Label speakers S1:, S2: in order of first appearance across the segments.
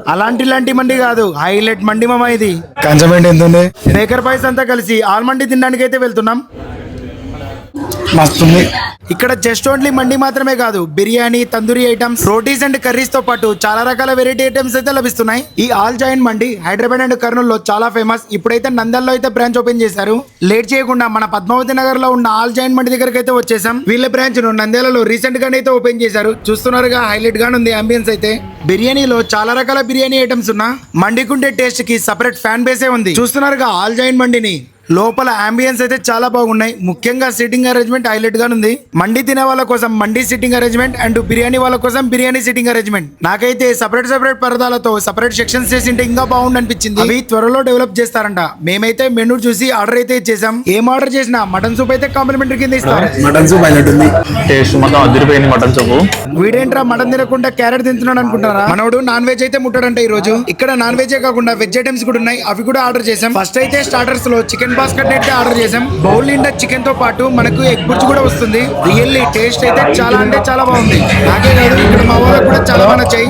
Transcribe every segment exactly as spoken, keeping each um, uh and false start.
S1: అలాంటి లాంటి మండి కాదు, హైలైట్ మండి మామ ఇది. కన్సమెంట్ ఎంత ఉంది? బేకర్ బాయ్స్ అంతా కలిసి ఆల్ మండి తినడానికి అయితే వెళ్తున్నాం. మస్తుంది. ఇక్కడ జస్ట్ ఓన్లీ మండి మాత్రమే కాదు, biryani, tandoori items, rotis and curries తో పాటు చాలా రకాల వెరైటీ ఐటమ్స్ అయితే లభిస్తున్నాయి. ఈ ఆల్ జాయింట్ మండి హైదరాబాద్ అండ్ కర్నూలు లో చాలా ఫేమస్. ఇప్పుడైతే నందల్లో అయితే బ్రాంచ్ ఓపెన్ చేశారు. లేట్ చేయకుండా మన పద్మావతి నగర్ లో ఉన్న ఆల్ జాయింట్ మండి దగ్గరికి అయితే వచ్చేసాం. వీళ్ళ బ్రాంచ్ ను నంద్యాలలో రీసెంట్ గానే అయితే ఓపెన్ చేశారు. చూస్తున్నారుగా, హైలైట్ గానే ఉంది అంబియన్స్ అయితే. బిర్యానీలో చాలా రకాల బిర్యానీ ఐటమ్స్ ఉన్నా మండికుండే టేస్ట్ కి సపరేట్ ఫ్యాన్ బేసే ఉంది. చూస్తున్నారుగా ఆల్ జాయింట్ మండిని. లోపల అంబియన్స్ అయితే చాలా బాగున్నాయి. ముఖ్యంగా సిట్టింగ్ అరేంజ్మెంట్ హైలైట్ గా ఉంది. మండి తినే వాళ్ళ కోసం మండి సిట్టింగ్ అరేంజ్మెంట్ అండ్ బిర్యానీ వాళ్ళ కోసం బిర్యానీ సిట్టింగ్ అరేంజ్మెంట్. నాకైతే సపరేట్ సపరేట్ పరదాలతో సపరేట్ సెక్షన్స్ చేసింటే ఇంకా బాగుంది అనిపించింది. అవి త్వరలో డెవలప్ చేస్తారంట. మేమైతే మెనూ చూసి ఆర్డర్ అయితే ఇచ్చేసాం. ఏం ఆర్డర్ చేసినా మటన్ సూప్ అయితే కాంప్లిమెంటరీ కింద ఇస్తారు.
S2: మటన్ సూప్ అయినట్టుంది, టేస్ట్ మొత్తం అదిరిపోయింది మటన్ సూప్.
S1: వీడేంట్రా మటన్ తినకుండా క్యారెట్ తింటున్నాడు అనుకుంటారా? మనోడు నాన్ వెజ్ అయితే ముట్టాడంట ఈ రోజు. ఇక్కడ నాన్ వెజ్ కాకుండా వెజ్ ఐటమ్స్ కూడా ఉన్నాయి, అవి కూడా ఆర్డర్ చేసాం. ఫస్ట్ అయితే స్టార్టర్స్ లో చికెన్ బాస్కెట్ అయితే ఆర్డర్ చేసాం. బౌల్ నిండా చికెన్ తో పాటు మనకు ఎగ్ బుర్జ్ కూడా వస్తుంది. రియల్లీ టేస్ట్ అయితే చాలా అంటే చాలా బాగుంది. నాకే కాదు, ఇక్కడ మా వాళ్ళకి కూడా చాలా బాగా నచ్చాయి.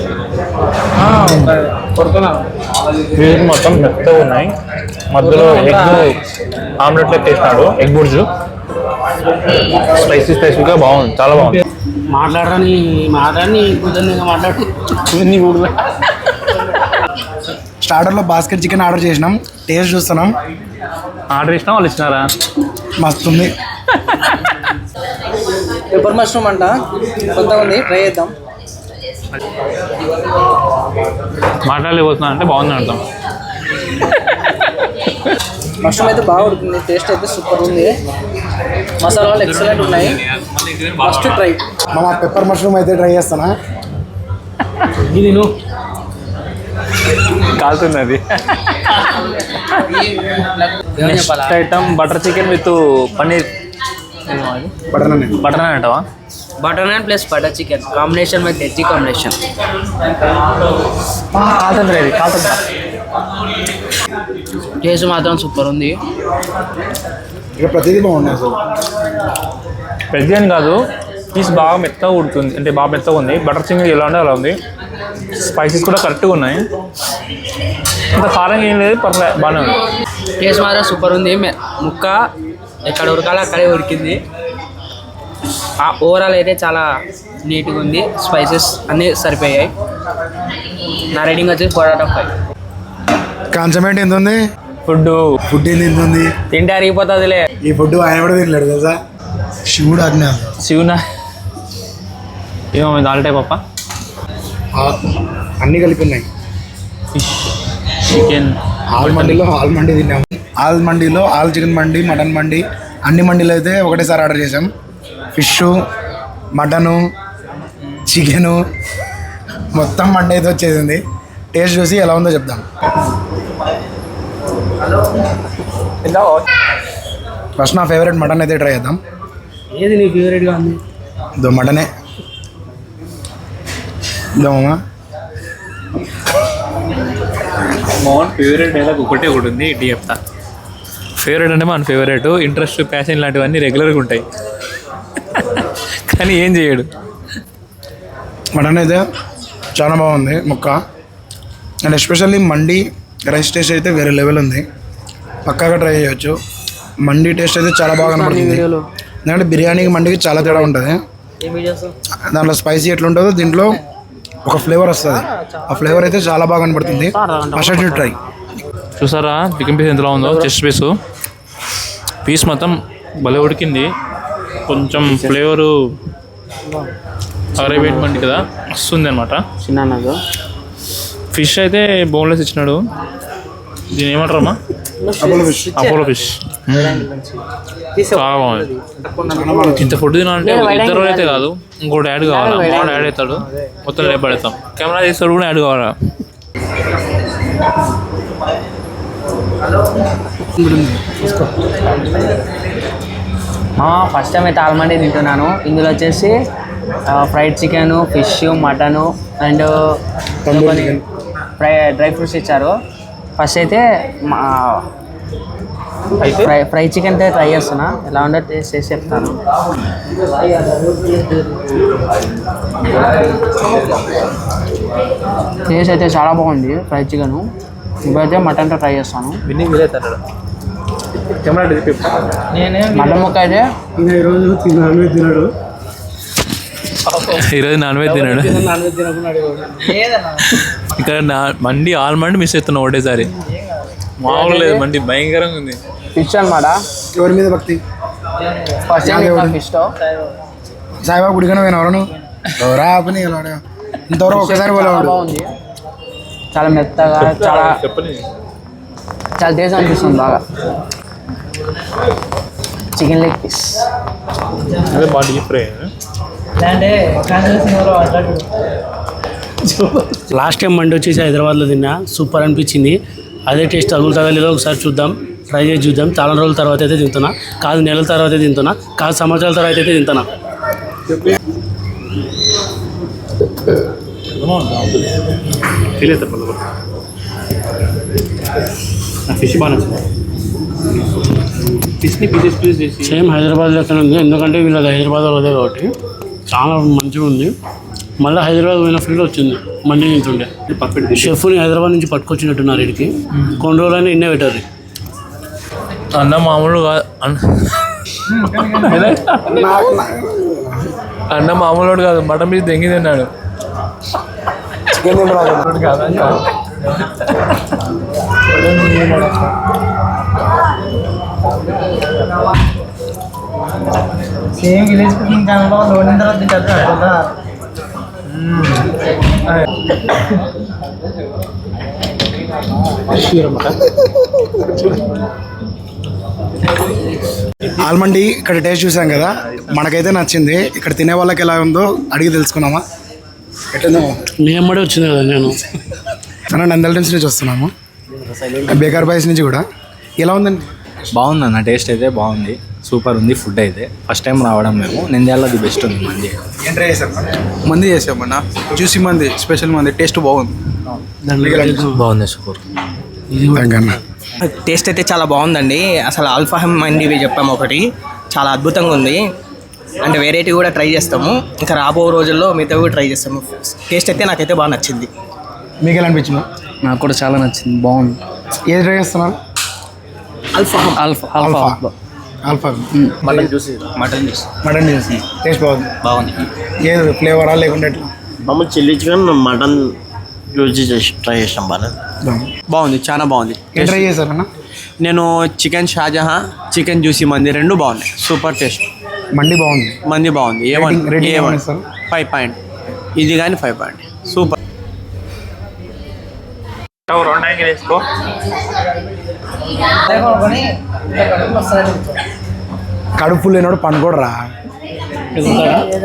S2: మొత్తం మెత్తగా ఉన్నాయి. మధ్యలో ఎగ్ ఆమ్లెట్ లెక్క వేసినాడు, ఎగ్ బుర్జ్. స్పైసీ స్పైసీగా బాగుంది, చాలా బాగుంది.
S3: మాట్లాడని మాట్లాడి మాట్లాడి
S1: స్టార్టర్ లో బాస్కెట్ చికెన్ ఆర్డర్ చేసినాం. టేస్ట్ చూస్తున్నాం.
S2: ఆర్డర్ చేసినా వాళ్ళు ఇచ్చినారా?
S1: మస్తుంది.
S3: పెప్పర్ మష్రూమ్ అంట, కొత్తగా ఉంది, ట్రై చేద్దాం.
S2: మాట్లాడలేకపోతున్నా అంటే బాగుంది అర్థం.
S3: మష్రూమ్ అయితే బాగా ఉడుతుంది, టేస్ట్ అయితే సూపర్ ఉంది. మసాలాలు ఎక్సలెంట్ ఉన్నాయి. First try.
S1: మన పెప్పర్ మష్రూమ్ అయితే ట్రై చేస్తానా?
S3: ఇది నువ్వు
S2: కాలుతుంది అది. Next item butter chicken with paneer.
S1: Butter naan.
S2: Butter naan అంటావా?
S3: Butter naan plus butter chicken combination with veg combination.
S2: కాలుతుంది అది, కాలుతుందా?
S3: టేస్ట్ మాత్రం సూపర్ ఉంది.
S1: ఇక ప్రతిదీ బాగున్నాయి అసలు.
S2: వెజ్ అని కాదు, పీస్ బాగా మెత్తగా ఉడుతుంది, అంటే బాగా మెత్తగా ఉంది. బటర్ చికెన్ ఎలా ఉండే అలా ఉంది. స్పైసెస్ కూడా కరెక్ట్గా ఉన్నాయి. ఇంత కారం ఏం లేదు, పర్లేదు, బాగానే ఉంది.
S3: టేస్ట్ మాత్రం సూపర్ ఉంది. ముక్క ఎక్కడ ఉడకాలో అక్కడే ఉడికింది. ఓవరాల్ అయితే చాలా నీట్గా ఉంది. స్పైసెస్ అన్నీ సరిపోయాయి. నా రేటింగ్ వచ్చి ఫోర్ అవుట్ ఆఫ్ ఫైవ్.
S1: కాన్సమెంట్ ఎంత ఉంది?
S2: ఫుడ్
S1: ఫుడ్ ఏంది ఎంత ఉంది?
S3: తింటే అరిగిపోతుందిలే.
S1: ఈ ఫుడ్ ఆయన కూడా తినలేడు తెలుసా. శివుడు అజ్ఞా
S2: శివునా ఏమో దాల్ టైప్ అప్ప.
S1: అన్నీ కలిపి ఉన్నాయి.
S2: Fish, chicken.
S1: ఆల్ మండీలో ఆల్ మండీ తిన్నాం. ఆల్ మండీలో ఆల్ చికెన్ మండి, మటన్ మండి, అన్ని మండీలు అయితే ఒకటేసారి ఆర్డర్ చేసాం. ఫిష్, మటను, చికెను మొత్తం మండి అయితే వచ్చేసింది. టేస్ట్ చూసి ఎలా ఉందో చెప్దాం. ఫస్ట్ నా ఫేవరెట్ మటన్ అయితే ట్రై చేద్దాం.
S3: ఏది నీ ఫేవరెట్గా ఉంది?
S1: దో మటనే దోమా.
S2: మోహన్ ఫేవరెట్ డైలాగ్ ఒకటే ఒకటి ఉంది, ఇటు చెప్తా. ఫేవరెట్ అంటే మన ఫేవరెట్, ఇంట్రెస్ట్, ప్యాషన్ లాంటివన్నీ రెగ్యులర్గా ఉంటాయి, కానీ ఏం చేయడు.
S1: మటన్ అయితే చాలా బాగుంది ముక్క. అండ్ ఎస్పెషల్లీ మండి రైస్ టేస్ట్ అయితే వేరే లెవెల్ ఉంది. పక్కాగా ట్రై చేయొచ్చు. మండి టేస్ట్ అయితే చాలా బాగా కనబడుతుంది. ఎందుకంటే బిర్యానీకి మండికి చాలా తేడా ఉంటుంది. దాంట్లో స్పైసీ ఎట్లుంటుందో దీంట్లో ఒక ఫ్లేవర్ వస్తుంది. ఆ ఫ్లేవర్ అయితే చాలా బాగా కనబడుతుంది. First try.
S2: చూసారా చికెన్ పీస్ ఎంతలా ఉందో? చెస్ట్ పీస్ పీస్ మొత్తం భలే ఉడికింది. కొంచెం ఫ్లేవరు అరేబియన్ మండి కదా వస్తుంది అనమాట.
S3: చిన్న
S2: ఫిష్ అయితే బోన్లెస్ ఇచ్చినాడు. దీని ఏమంటారమ్మా? Apollo fish. చాలా బాగుంది. ఇంత ఫుడ్ తినాలంటే ఇద్దరు అయితే కాదు, ఇంకోటి యాడ్ కావాలా. వాడు యాడ్ అవుతాడు, మొత్తం లేపడేస్తాం. కెమెరా తీస్తాడు కూడా యాడ్ కావాలా.
S3: ఫస్ట్ టైం అయితే ఆల్మండి తింటున్నాను. ఇందులో వచ్చేసి fried chicken, fish, mutton and fry dry fruits ఇచ్చారు. ఫస్ట్ అయితే మా ఫ్రై ఫ్రై చికెన్ అయితే ట్రై చేస్తున్నా, ఎలా ఉందో టేస్ట్ చేసి చెప్తాను. టేస్ట్ అయితే చాలా బాగుంది ఫ్రై చికెన్. ఇప్పుడైతే మటన్తో ట్రై చేస్తాను.
S2: విన్నింగ్ వీలైతే కెమెరా
S3: మటన్ ముక్క అయితే
S1: ఈరోజు నాన్ వెజ్ తిన్నాడు.
S2: ఈరోజు నాన్ వెజ్ తిన్నాడు.
S3: నాన్ వెజ్ తినకున్నాడు.
S2: ఇక్కడ నా మండి ఆల్మండి మిస్ అవుతున్నా ఒకటేసారి. మామూలు లేదు మండి, భయంకరంగా ఉంది.
S3: ఫిష్ అనమాట.
S1: ఎవరి మీద భక్తి?
S3: ఫస్ట్ టైం ఫిష్
S1: సాయిబాబా గుడికనే పోయిన ఎవరు ఎవరా ఆపని ఇంతవరకు ఒకసారి పోలేవాడు.
S3: బాగుంది, చాలా మెత్తగా, చాలా చాలా టేస్ట్ అనిపిస్తుంది బాగా. చికెన్ లెగ్ పీస్
S2: అదే బాగా డీప్ ఫ్రై.
S4: లాస్ట్ టైం మండి వచ్చేసి హైదరాబాద్లో తిన్నా, సూపర్ అనిపించింది. అదే టేస్ట్ తగులుతుందా లేదో ఒకసారి చూద్దాం, ట్రై చేసి చూద్దాం. చాలా రోజుల తర్వాత అయితే తింటున్నా, కాదు నెలల తర్వాత అయితే తింటున్నా, కాదు సంవత్సరాల తర్వాత అయితే తింటున్నా.
S2: ఫిష్ బాగా ఫిష్ని పీసెస్ పీస్ చేసి
S4: సేమ్ హైదరాబాద్ లెక్కనే ఉంది, ఎందుకంటే వీళ్ళది హైదరాబాద్ అదే కాబట్టి చాలా మంచిగా ఉంది. మళ్ళీ హైదరాబాద్ పోయిన ఫీల్ వచ్చింది మండి తింటుండే.
S2: పర్ఫెక్ట్
S4: షెఫ్ని హైదరాబాద్ నుంచి పట్టుకొచ్చినట్టున్నారు వీడికి. కొన్ని రోజులైనా ఇన్నే పెట్టారు.
S2: అన్న మామూలు కాదు అన్న, అన్న మామూలు కాదు, మటన్ పీస్ దెంగి తిన్నాడు.
S3: సేమ్ విలేజ్ కుకింగ్ ఛానల్లో లోన్ తర్వాత తింటారు.
S1: ఆల్మండి ఇక్కడ టేస్ట్ చూసాం కదా, మనకైతే నచ్చింది. ఇక్కడ తినే వాళ్ళకి ఎలా ఉందో అడిగి తెలుసుకున్నామా? ఎట్లుందో
S4: మీ అమ్మడే వచ్చింది కదా. నేను
S1: అన్న నందల టీమ్స్ నుంచి వస్తున్నాము, బేకర్ బాయ్స్ నుంచి కూడా. ఎలా ఉందండి?
S5: బాగుంది అన్న, టేస్ట్ అయితే బాగుంది, సూపర్ ఉంది. ఫుడ్ అయితే ఫస్ట్ టైం రావడం మేము, నంద్యాలలో ది బెస్ట్ ఉంది మంది.
S1: ఏం ట్రై చేశారు?
S6: మంది చేసామన్న, జ్యూసీ మంది, స్పెషల్ మంది, టేస్ట్ బాగుంది.
S5: బాగుంది, సూపర్.
S7: టేస్ట్ అయితే చాలా బాగుందండి. అసలు ఆల్ఫాహం మండి చెప్పాము ఒకటి, చాలా అద్భుతంగా ఉంది. అంటే వెరైటీ కూడా ట్రై చేస్తాము, ఇంకా రాబో రోజుల్లో మిగతా కూడా ట్రై చేస్తాము. టేస్ట్ అయితే నాకైతే బాగా నచ్చింది.
S1: మీకు ఎలా అనిపించింది?
S3: నాకు కూడా చాలా నచ్చింది, బాగుంది.
S1: ఏది ట్రై చేస్తున్నారు?
S7: ఆల్ఫాహం
S3: ఆల్ఫా
S1: ఆల్ఫా
S3: ఆల్ఫా
S1: ఆల్ఫా
S5: mutton juicy
S7: mutton juice
S1: mutton చేసి టేస్ట్ బాగుంది.
S7: బాగుంది.
S1: ఏది ఫ్లేవరా లేకుంటే ఎట్లా?
S8: మామూలు చిల్లీ చికెన్ మటన్ యూజ్ చేసి ట్రై చేసాం. బాగా
S6: బాగుంది, చాలా బాగుంది.
S1: ఏం ట్రై చేశారన్న?
S6: నేను చికెన్ షాజహా, చికెన్ జ్యూసీ మంది రెండు బాగున్నాయి, సూపర్ టేస్ట్.
S1: మండి బాగుంది,
S6: మంది బాగుంది. A one
S1: Rating- rating
S6: A one
S1: ఏమని ఇస్తారు?
S6: ఫైవ్ పాయింట్, ఇది కానీ ఫైవ్ పాయింట్, సూపర్.
S2: రెండు వేసుకో.
S1: కడుపు లేనోడు పనుకోడరా.